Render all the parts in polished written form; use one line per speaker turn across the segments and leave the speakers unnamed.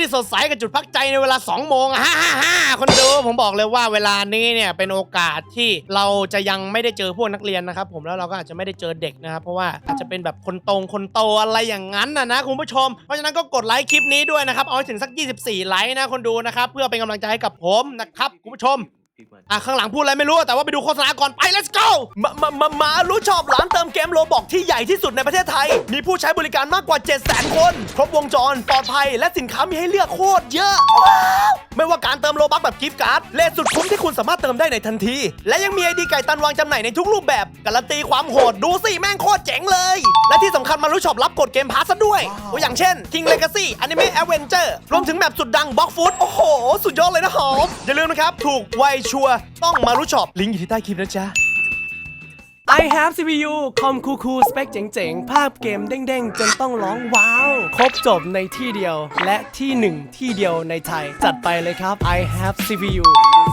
ที่สดใสกับจุดพักใจในเวลา2 โมงคนดูผมบอกเลยว่าเวลานี้เนี่ยเป็นโอกาสที่เราจะยังไม่ได้เจอพวกนักเรียนนะครับผมแล้วเราก็อาจจะไม่ได้เจอเด็กนะครับเพราะว่าอาจจะเป็นแบบคนโตอะไรอย่างนั้นนะคุณผู้ชมเพราะฉะนั้นก็กดไลค์คลิปนี้ด้วยนะครับเอาให้ถึงสัก24ไลค์นะคนดูนะครับเพื่อเป็นกำลังใจให้กับผมนะครับคุณผู้ชมข้างหลังพูดอะไรไม่รู้แต่ว่าไปดูโฆษณาก่อนไป let's go มารู้ชอบร้านเติมเกมโรบอกที่ใหญ่ที่สุดในประเทศไทยมีผู้ใช้บริการมากกว่า 700,000 คนครบวงจรปลอดภัยและสินค้ามีให้เลือกโคตรเยอะไม่ว่าการเติมโลบัคแบบกิฟต์การ์ดเลทสุดคุ้มที่คุณสามารถเติมได้ในทันทีและยังมีไอดีไก่ตันวางจำหน่ายในทุกรูปแบบการันตีความโหดดูสิแม่งโคตรเจ๋งเลยและที่สำคัญมารู้ชอบรับกดเกมพาสซะด้วยตัวอย่างเช่น King Legacy Anime Adventure รวมถึงแมปสุดดัง Block Food โอ้โหสุดยอดเลยนะหอมอย่าลืมนะครับถูกไวชัวร์ต้องมารู้ชอบลิงก์อยู่ที่ใต้คลิปนะจ๊ะ I have CPU คอมคูลๆสเปคเจ๋งๆภาพเกมเด้งๆจนต้องร้องว้าวครบจบในที่เดียวและที่หนึ่งที่เดียวในไทยจัดไปเลยครับ I have CPU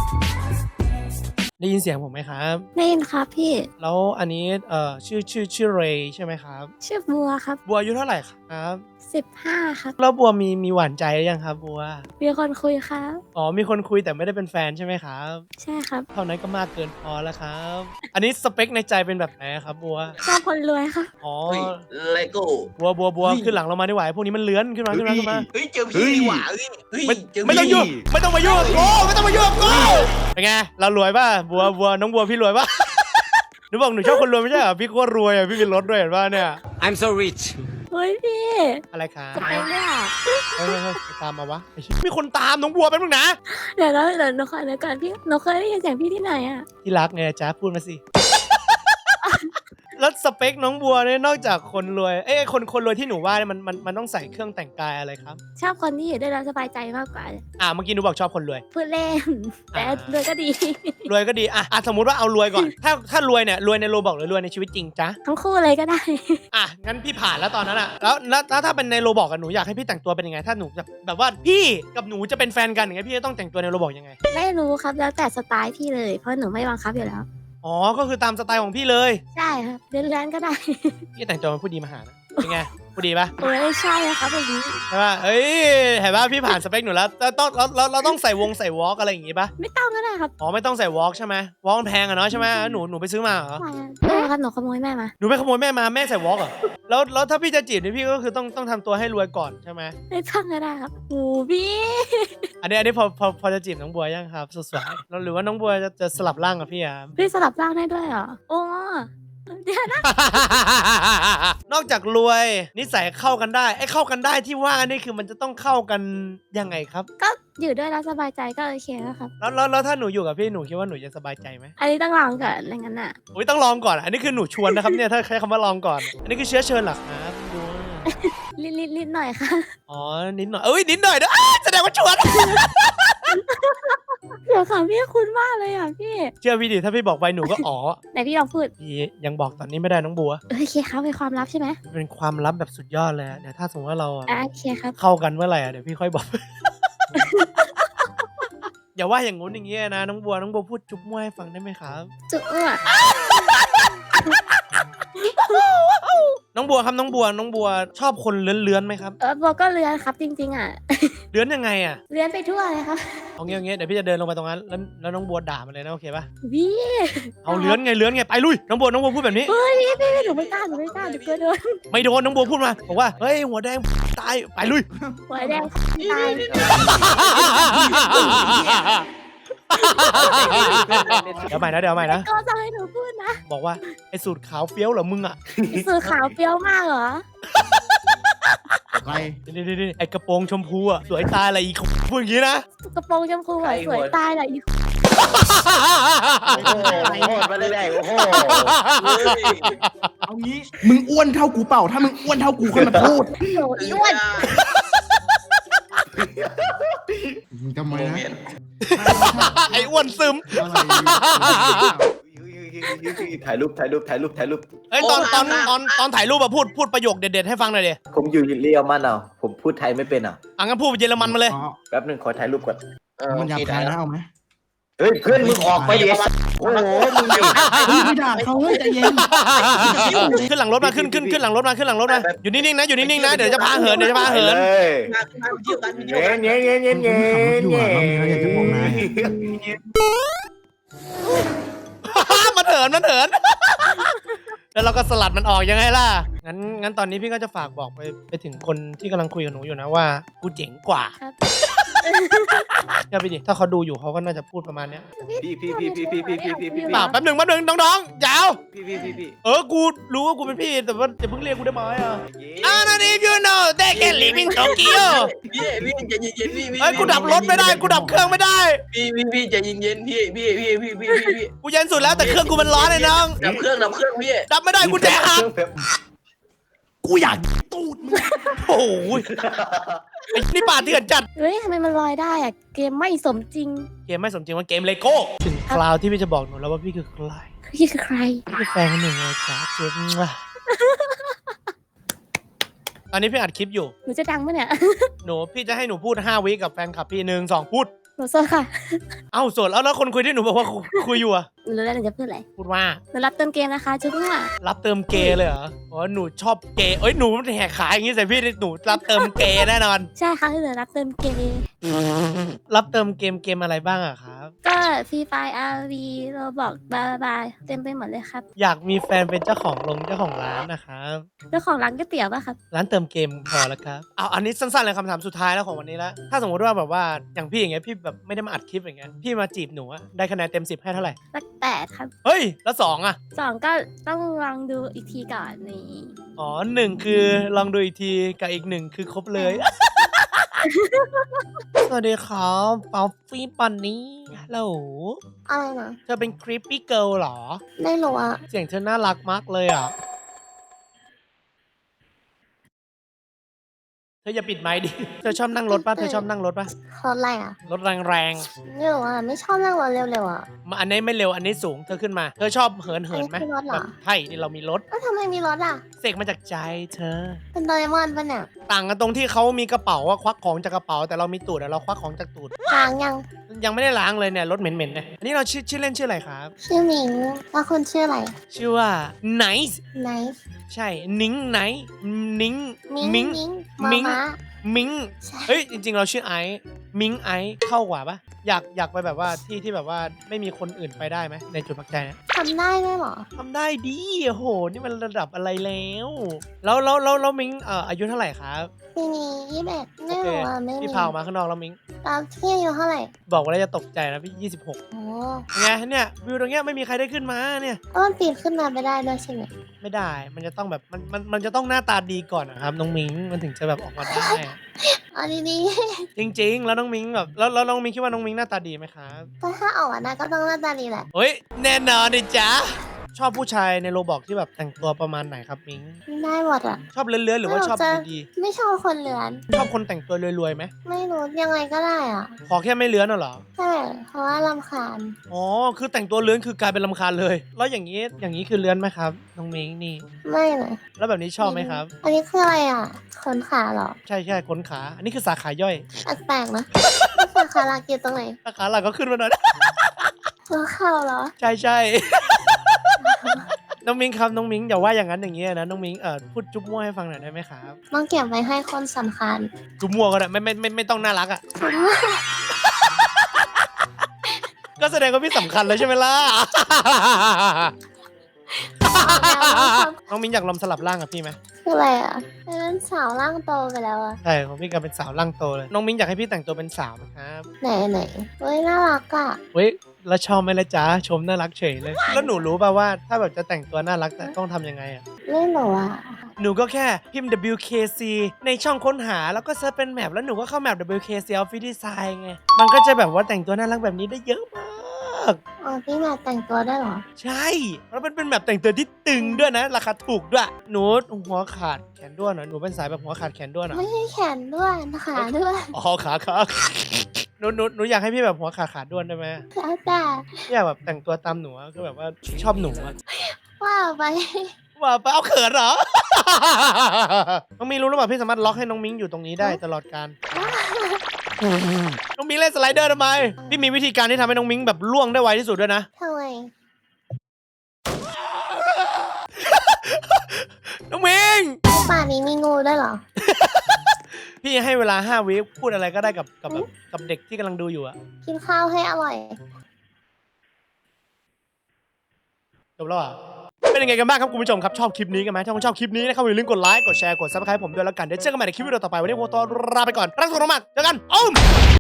ได้ยินเสียงผมไหมครับ
ได้ยินครับพี่
แล้วอันนี้ชื่อเรย์ใช่ไหมครับ
ชื่อบัวครับ
บัวอายุเท่าไหร่ครับ
15ครับ
แล้วบัวมีหวานใจหรือยังครับบัว
มีคนคุยครับ
อ๋อมีคนคุยแต่ไม่ได้เป็นแฟนใช่ไหมครับ
ใช่ครับ
เท่านั้นก็มากเกินพอแล้วครับอันนี้สเปคในใจเป็นแบบไหนครับบัว
ชอบคนรวยครับ
อ๋อ
เลโก้
บัวขึ้นหลังเรามาดีกว่าพวกนี้มันเลื้อนขึ้นมา
เฮ้ยเจอพี่ดีกว่า
ไม่ต้องยุ่งไม่ต้องมายุ่งกับกูไม่ต้องมายุ่งกับกูเป็นไงเรารวยป่ะบัวน้องบัวพี่รวยป่ะหนูบอกหนูชอบคนรวยไม่ใช่เหรอพี่โคตรรวยอ่ะพี่มีรถด้วยเห็นป่ะเนี่ย
I'm so rich
เฮ้ยพี่
อะไรครับ
จะไปเนี่ย
เฮ้ยตามมาวะมีคนตามน้องบัวเป็นมึงนะ
เดี๋ยวหนูขอเดี๋ยวก่อนพี่หนูเคยได้ยินเสียงพี่ที่ไหนอ่ะ
ที่รักไงจ๊ะพูดมาสิแล้วสเปคน้องบัวเนี่ยนอกจากคนรวยคนรวยที่หนูว่าเนี่ยมันต้องใส่เครื่องแต่งกายอะไรครับ
ชอบคนที่อยู่ด้วยแล้วสบายใจมากกว่า
เมื่อกี้หนูบอกชอบคนรวย
พูดเล่นแต่รวยก็ดี
รวยก็ดีสมมุติว่าเอารวยก่อนถ้ารวยเนี่ยรวยในโรบอกหรือรวยในชีวิตจริงจ๊ะ
ทั้งคู่เลยก็ได้
งั้นพี่ผ่านแล้วตอนนั้นแล้วถ้าเป็นในโรบอกกับหนูอยากให้พี่แต่งตัวเป็นยังไงถ้าหนูแบบว่าพี่กับหนูจะเป็นแฟนกันอย่างเงี้ยพี่จะต้องแต่งตัวในโรบอกยังไง
ไม่รู้ครับแล้วแต่สไตล์พี่เลยเพราะหนูไม่บังคับอยู่แล้ว
อ๋อก็คือตามสไตล์ของพี่เลย
ใช่ครับเล่นก็ได้
พี่แต่งตัวเป็นผู้ดีมาหานะเป็นไงผู้ดีปะ
ใช่ครับแบบนี้
ใช่ปะเฮ้ยเห็นปะพี่ผ่านสเปคหนูแล้วเราต้องใส่วอล์กอะไรอย่างงี้ปะ
ไม่ต้องก็ได้ครับ
อ๋อไม่ต้องใส่วอล์กใช่ไหมวอล์กมันแพงอะเนาะใช่ไหมหนูไปซื้อมาเหรอ
ไม่ครับหนูขโมยแม่มา
หนูไปขโมยแม่มาแม่ใส่วอล์กเหรอแล้วถ้าพี่จะจีบนี่พี่ก็คือต้องทำตัวให้รวยก่อนใช่ไหม
ไม่ต้องก็ได้ครับโอ้พี่
อันนี้พอจะจีบน้องบัวยังครับสวยๆแล้วหรือว่าน้องบัวจะสลับร่างกับพี่อ่ะ
พี่สลับร่างได้ด้วยเหรอโอ้เดี๋ยวนะ
นอกจากรวยนิสัยเข้ากันได้เข้ากันได้ที่ว่านี่คือมันจะต้องเข้ากันยังไงครับ
ก็อยู่ด้วยแล้วสบายใจก็โอเคแล้วครับ
แล้วถ้าหนูอยู่กับพี่หนูคิดว่าหนูจะสบายใจไหม
อันนี้ต้องลองก่อนอะไรงั้นน่ะ
อุ้ยต้องลองก่อนอันนี้คือหนูชวนนะครับเนี่ยถ้าใช้คำว่าลองก่อนอันนี้คือเชื้อเชิญหรอครับดู
นิดหน่อยค่ะ
อ๋อนิดหน่อยนิดหน่อยด้วยแสดงว่าชวน
เดี๋ยวค่ะพี่คุณมากเลยอ่ะพี่
เชื่อพี่ดิถ้าพี่บอกไปหนูก็อ๋อ
ไหนพี่ลองพูด
พี่ยังบอกตอนนี้ไม่ได้น้องบัว
โอเคครับเป็นความลับใช่ไหม
เป็นความลับแบบสุดยอดเลยเดี๋ยวถ้าสมมติว่าเรา
โอเคครับ
เข้ากันเมื่อไหร่เดี๋ยวพี่ค่อยบอกอย่าว่าอย่างงู้นอย่างเงี้ยนะน้องบัวพูดจุ๊บมั่วให้ฟังได้ไหมครับ
จุ๊บมั่ว
น้องบัวครับน้องบัวชอบคนเลื้อนไหมครับ
บัวก็เลื้อนครับจริงๆ
เลื้อนยังไง
เลื้อนไปทั่วเลยครับ
เอาเงี้ยเดี๋ยวพี่จะเดินลงไปตรงนั้นแล้วน้องบัวด่ามันเลยนะโอเคปะ
พี่
เอาเลื้อนไงไปลุยน้องบัวพูดแบบนี้
เฮ้ยพี่หนูไม่กล้าหนูกลัวโดน
ไม่โดนน้องบัวพูดมาบอกว่าเฮ้ยหัวแดงตายไปลุย
หัวแดงตาย
เดี๋ยวใหม่นะ
ก็จะให้หนูพูดนะ
บอกว่าไอ้สูตรขาวเฟี้ยวเหรอมึง
สูตรขาวเฟี้ยวมากเหรอ
ไอ้กระโปรงชมพูสวยตายอะไรอีกพูดอย่างนี้นะ
กระโปรงชมพูสวยตายอะไรอีก
มาเลยโอ้โห
เอางี้มึงอ้วนเท่ากูเปล่าถ้ามึงอ้วนเท่ากูค่อยมาพูด
อ้วน
ทำไมนะ
ไอ้อ้วนซึม
ถ่ายรูปเ
ฮ้ยตอนถ่ายรูปพูดประโยคเด็ดๆให้ฟังหน่อยดิ
ผมอยู่เยอรมันผมพูดไทยไม่เป็น
งั้นพูดเยอรมันมาเลย
แป๊บนึงขอถ่ายรูปก่อน
มันอยากถ่ายนะเอาไหม
เฮ้ยเพื่อนมึงออกไปดิโอ้โหมึงดิ
ไม่ด่าเขาเฮ้ยใจเย็น
ขึ้นหลังรถมาขึ้นหลังรถมาอยู่นิ่งๆนะอยู่นิ่งๆนะเดี๋ยวจะพาเหิน
เงี้ย
มันเหินแล้วเราก็สลัดมันออกยังไงล่ะงั้นตอนนี้พี่ก็จะฝากบอกไปถึงคนที่กำลังคุยกับหนูอยู่นะว่ากูเจ๋งกว่าอย่าไปดิถ้าเขาดูอยู่เขาก็น่าจะพูดประมาณเนี้ย
พี่
เปล่าแป๊บหนึ่งน้องๆยาว
พี่
กูรู้ว่ากูเป็นพี่แต่ว่าจะเพิ่งเรียกกูได้ไหมนั่น if you know they can live in Tokyo
พี่ใจเย็นๆพี่
เฮ้ยกูดับรถไม่ได้กูดับเครื่องไม่ได้
พี่ใจเย็นๆพี่
กูเย็นสุดแล้วแต่เครื่องกูมันร้อนเลยน้อง
ดับเครื่องพี่
ดับไม่ได้กูแจหัก
กูอยากตูดมึง
โอ้ยไอ้นี่ป่าเถื่อนจัด
เฮ้ยทำไมมันลอยได้อะเกมไม่สมจริง
เกมไม่สมจริงว่าเกมเลโก้ถึงคราวที่พี่จะบอกหนูแล้วว่าพี่คือใคร
พี่คือใคร
พี่คือแฟนคนหนึ่งเลยจ้าเจ๊ตอนนี้พี่อัดคลิปอยู่
หนูจะดังปะเนี่ย
พี่จะให้หนูพูด5 วิกับแฟนคลับพี่1 2พูด
หนูโซค่ะ
เอ้าส่วนแล้วคนคุยที่หนูบอกว่าคุยอยู่อะ
หนูรู้แล้วหนูจะพูดอะไร
พูดว่า
หนูรับเติมเกมนะคะจุ๊บว่า
รับเติมเกย์เลยเหรออ๋อหนูชอบเกย์หนูแหกขายอย่างงี้ใส่พี่หนูรับเติมเกย์แน่นอน
ใช่ค่ะหนูรับเติมเกม
รับเติมเกมอะไรบ้างอะครับ
ก็ฟรีไฟอาร์วีโรบอกบาเต็มไปหมดเลยครับ
อยากมีแฟนเป็นเจ้าของร้านนะครับ
เจ้าของร้านก๋วยเตี๋ยวป่ะครับ
ร้านเติมเกมพอแล้วครับเอาอันนี้สั้นๆเลยคำถามสุดท้ายแล้วของวันนี้แล้วถ้าสมมติว่าแบบว่าอย่างพี่อย่างเงี้ยพี่แบบไม่ได้มาอัดคลิปอย่างเงี้ยพี่มาจีบหนูอะได้คะแนนเต็ม10ให้เท่าไหร่
สัก8 ครับ
เฮ้ยแล้ว2อะ
2ก็ต้องลองดูอีกทีก่อนนี่
อ๋อ1คือลองดูอีกทีกับอีก1คือครบเลย สวัสดีครับป๊อฟฟี่ปันนี่ฮัลโหล
อะไรนะ
เธอเป็นคริปปี้เกิร์ลเหรอ
ไม่รู้อะ
เสียงเธอน่ารักมากเลยอ่ะ เธออย่าปิดไมค์ดิ เธอชอบนั่งรถป่ะ
รถอะไรอะ
รถแรง
ไม่รู้อะไม่ชอบนั่งรถเร็วๆอะ
ๆมาอันนี้ไม่เร็ว อันนี้สูง เธอขึ้นมา เธอชอบเหินไหม
อันนี้คือรถเหรอ
แบบใช่นี่เรามีรถ
แล้วทำไมมีรถอะ
เสกมาจากใจเธอ
เป็นโดเรมอนป่ะเนี่ย
ต่างกันตรงที่เขามีกระเป๋าว่าควักของจากกระเป๋า แต่เรามีตูดอะเราควักของจากตูด
ทางยัง
ยังไม่ได้ล้างเลยเนี่ย รถเหม็นๆเนี่ยอันนี้เราชื่อเล่นชื่ออะไรครับ
ชื่อหมิงแล้วคุณชื่ออะไร
ชื่อว่า Nice
ไนฟ์
ใช่ นิ้งไนท์นิ้ง
มิง
มิง
ม้า
มิง
ใช่
เฮ้ยจริงๆเราชื่อไอซ์มิงไอซ์เข้ากว่าปะอยากไปแบบว่าที่แบบว่าไม่มีคนอื่นไปได้ไหมในจุดพักใจนะ
ทำได้ด้วยเหรอ
ทำได้ดีโอ้โหนี่มันระดับอะไรแล้วมิงอายุเท่าไหร่ครับ
ปีนี้21ไม่รู้อะไม่
พี่
มี
พาออกมาข้างนอกแล้วมิง
ตามที่อายุเท่าไหร่
บอกว่าแล้วจะตกใจนะพี่26
โอ้
ไงเนี่ยวิวตรงเนี้ยไม่มีใครได้ขึ้นมาเนี่ย
ก็มันปีนขึ้นมาไม่ได้ด้วยใช่ไหม
ไม่ได้มันจะต้องแบบมันจะต้องหน้าตาดีก่อนนะครับน้องมิงมันถึงจะแบบออกมาได้
เอาดี
จริงๆ แล้วน้องมิงแบบแล้วน้องมิงคิดว่าน้องมิงหน้าตาดีไหมครับ
ๆก็ถ้าออกมาได้ก็ต้องหน้าตาดีแหละ
เฮ้ยแน่นอนดิจ๊ะชอบผู้ชายในโรบอกที่แบบแต่งตัวประมาณไหนครับมิง
ได้หมดอะ
ชอบเลื้อนๆหรือว่าชอบดี
ไม่ชอบคนเลือน
ๆชอบคนแต่งตัวรวยๆไหม
ไม่รู้ยังไงก็ได้อ่ะ
ขอแค่ไม่เลื้อนน่ะเหรอ
ใช่เพราะว่ารำคาญ
อ๋อคือแต่งตัวเลื้อนคือกลายเป็นรำคาญเลย แล้วอย่างนี้คือเลื้อนไหมครับน้องมิงนี่
ไม่เลย
แล้วแบบนี้ชอบไหมครับ
อันนี้คืออะไรอ่ะขนขาเหรอ
ใช่ขนขาอันนี้คือสาขาย่อย
แปลกๆนะสาขาหลักอยู่ตรงไหน
สาขาหลักก็ขึ้นมาหน่อย
หัวเข่าเหรอ
ใช่ น้องมิงครับน้องมิงอย่าว่าอย่างนั้นอย่างนี้นะน้องมิงพูดจุ๊บมั่วให้ฟังหน่อยได้ไหมครับ
ต้องเก็บไว้ให้คนสำคัญ
จุ๊บมั่วก็ได้ไม่ต้องน่ารักอ่ะ ก็แสดงว่าพี่สำคัญเลยใช่ไหมล่ะ น้องมิงอยากลองสลับร่างกับพี่ไหม
คืออะไรอ่ะเป็นสาวร่างโตไปแล้วอ่ะ
ใช่ของพี่ก็เป็นสาวร่างโตเลย น้องมิงอยากให้พี่แต่งตัวเป็นสาวนะครับ
ไหนเฮ้ยน่ารักอ่ะ
เฮ้ยแล้วชอบไหมล่ะจ๊ะชมน่ารักเฉยเลย แล้วหนูรู้ป่าวว่าถ้าแบบจะแต่งตัวน่ารักแต่ต้องทำยังไงอ่ะ
ไม่รู้อ่ะ
หนูก็แค่พิมพ์ WKC ในช่องค้นหาแล้วก็เซิร์ชเป็นแมปแล้วหนูก็เข้าแมป WKC Office Design ไง มันก็จะแบบว่าแต่งตัวน่ารักแบบนี้ได้เยอะมาก
อ๋อพี่มาแต่งตัวได้เหรอ
ใช่ แล้วมันเป็นแบบแต่งตัวที่ตึงด้วยนะ ราคาถูกด้วย หนูหัวขาดแขนด้วนเหรอหนูเป็นสายแบบหัวขาดแขนด้วนเหรอ
ไม่ใช่แขนด้วยขาด้วย
อ๋อขาหนูอยากให้พี่แบบหัวขาดด้วนได้ไหม
แล้วแต่
อยากแบบแต่งตัวตามหนูอะคือแบบว่าชอบหนูอะ
ว่าไป
ว่าไปเอาเขินเหรอ น้องมิงรู้หรือเปล่าพี่สามารถล็อกให้น้องมิงอยู่ตรงนี้ได้ตลอดการน้องมิ้งเล่นสไลเดอร์ทำไมพี่มีวิธีการที่ทำให้น้องมิ้งแบบล่วงได้ไวที่สุดด้วยนะ
ทำไม
น้องมิ้ง
ป่านี้มีงูด้วยเหรอ
พี่ให้เวลา5 วิพูดอะไรก็ได้กับเด็กที่กำลังดูอยู่อะ
กินข้าวให้อร่อย
จบแล้วอ่ะเป็นยังไงกันบ้างครับคุณผู้ชมครับชอบคลิปนี้กันไหมถ้าคุณชอบคลิปนี้นะครับอย่าลืมกดไลค์กดแชร์กด Subscribe ผมด้วยแล้วกันเดี๋ยวเจอกันใหม่ในคลิปวิดีโอต่อไปวันนี้ผมตัวลาไปก่อนรักสุขมากเจอกัน